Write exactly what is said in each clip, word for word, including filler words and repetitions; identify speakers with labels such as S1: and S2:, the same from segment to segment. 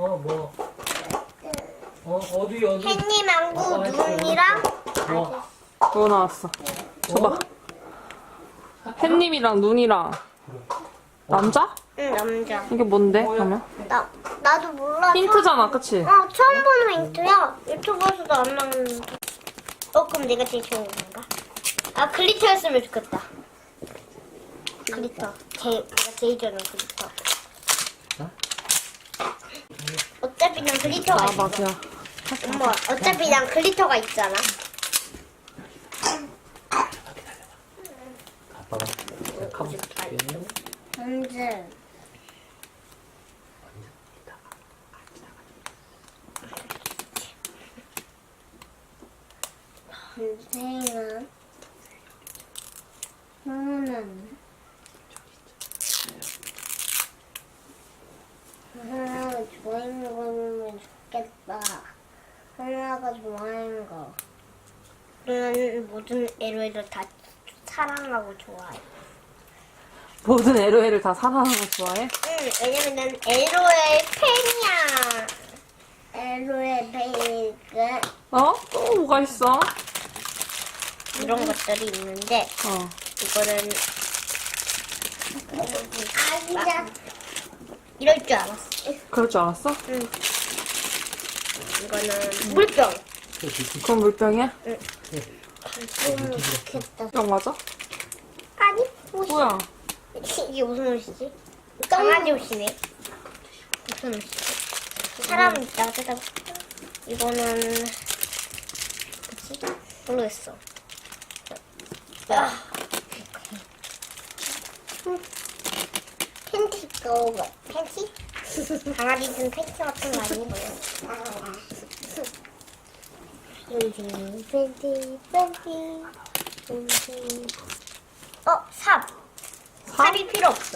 S1: 어, 뭐. 어, 어디, 어디?
S2: 햇님 안구
S1: 어,
S2: 눈이랑
S1: 뭐.
S3: 뭐 나왔어? 줘봐. 햇님이랑 눈이랑 남자?
S2: 응 남자.
S3: 이게 뭔데? 그러면?
S2: 나 나도 몰라.
S3: 힌트잖아, 그치?
S2: 어 처음 보는 힌트야. 유튜브에서도 안 나오는데. 어 그럼 내가 제일 좋은 건가? 아 글리터였으면 좋겠다. 글리터. 제 내가 제일 좋아하는 글리터. 어차피 난 글리터가
S3: 아,
S2: 있어.
S3: 맞아.
S2: 엄마 어차피 난 글리터가 있잖아.
S1: 아빠가 가보자.
S2: 언제? 선생은 하나는 하나가 좋아하는 거 보면 좋겠다. 하나가 좋아하는 거. 저는 모든 에로에를 다 사랑하고 좋아해.
S3: 모든 에로에를 다 사랑하는 거 좋아해?
S2: 응, 왜냐면 난 에로의 팬이야. 에로의 팬이니까
S3: 어? 또 뭐가 있어?
S2: 이런 것들이 있는데
S3: 어.
S2: 이거는 아기자 이럴 줄 알았어.
S3: 그럴 줄 알았어?
S2: 응. 이거는 물병.
S3: 그건 물병이야?
S2: 좀 좋겠다.
S3: 병 맞아?
S2: 아니 옷이.
S3: 뭐야?
S2: 이게 무슨 옷이지? 강아지 옷이네. 무슨 옷이지? 사람 있다가 뜯어볼까? 이거는 뭐지? 모르겠어. 아. 음. 팬티 거 팬티? 강아지는 팬티 같은 거 아니고요. 팬티 팬티 팬티 팬티. 어 삽. 삽이 필요 없어.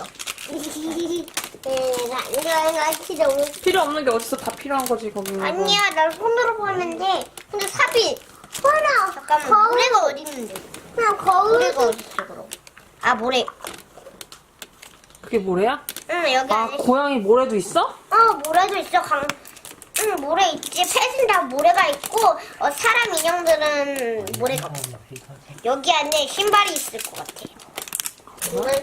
S2: 내가 내가 너무
S3: 필요 없는 게 어딨어? 다 필요한 거지, 거기는.
S2: 아니야, 난 손으로 봤는데 근데 삽이 손아 잠깐만 거울... 모래가 어디 있는데? 그냥 거울 모래가 어디 있어 그럼? 아 모래.
S3: 그게 모래야?
S2: 응 여기
S3: 아,
S2: 안에
S3: 고양이 모래도 있어?
S2: 어 모래도 있어 강. 응 모래 있지. 펫은 다 모래가 있고 어, 사람 인형들은 모래가 없어. 여기 안에 신발이 있을 것 같아. 이걸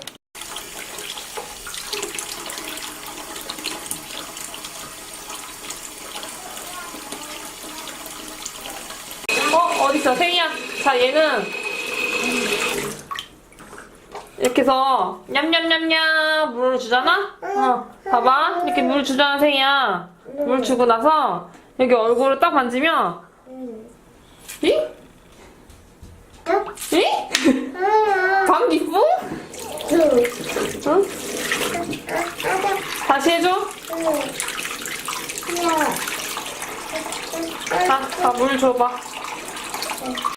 S3: 어, 어딨어? 생이야. 자, 얘는 이렇게 해서 냠냠냠냠 물을 주잖아? 어, 봐봐. 이렇게 물 주잖아, 생이야. 물 주고 나서 여기 얼굴을 딱 만지면 이? 이? 방귀뿡? 응? 다시 해줘. 자, 자, 물 줘봐.